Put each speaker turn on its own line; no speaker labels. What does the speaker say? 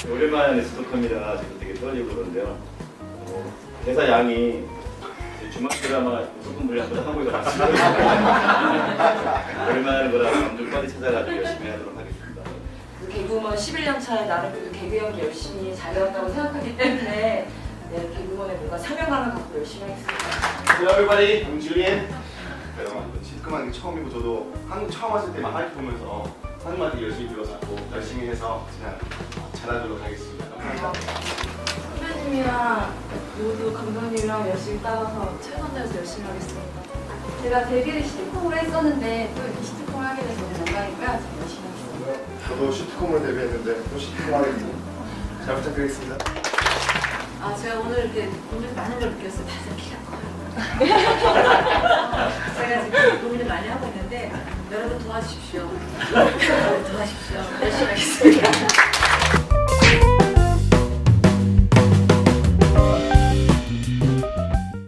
오랜만에 스토커입니다. 지금 되게 떨리고 그러는데요. 대사 양이 주말 드라마 조금 분량 한번 하고 있어서 오랜만에 하는 거라 감독 빨리 찾아가지고 열심히 하도록 하겠습니다.
개그우먼 11년 차에 나는 그래도 개그 연기 열심히 잘해왔다고 생각하기 때문에 네, 개그우먼의 뭔가 사명감을 갖고 열심히 하겠습니다.
Hello everybody, I'm Julian. 시트콤하는 게 처음이고 저도 한국 처음 왔을 때 많이 보면서 한국말 되게 열심히 배워서 열심히 해서 그냥 잘하도록 하겠습니다. 감사합니다.
선배님이랑 모두 감독님이랑 열심히 따라서 최선 다해서 열심히 하겠습니다. 제가 데뷔를 시트콤으로 했었는데 또 이렇게 시트콤을 하게 돼서 너무 영광이고요. 저 열심히 하겠습니다.
저도 시트콤으로 데뷔했는데 또 시트콤 하겠습니다. 잘 부탁드리겠습니다.
아 제가 오늘 이렇게 고민 많은 걸 느꼈어요. 다들 키가 커요. 제가 지금 고민을 많이 하고 있는데 여러분 도와주십시오. 도와주십시오. 열심히 하겠습니다.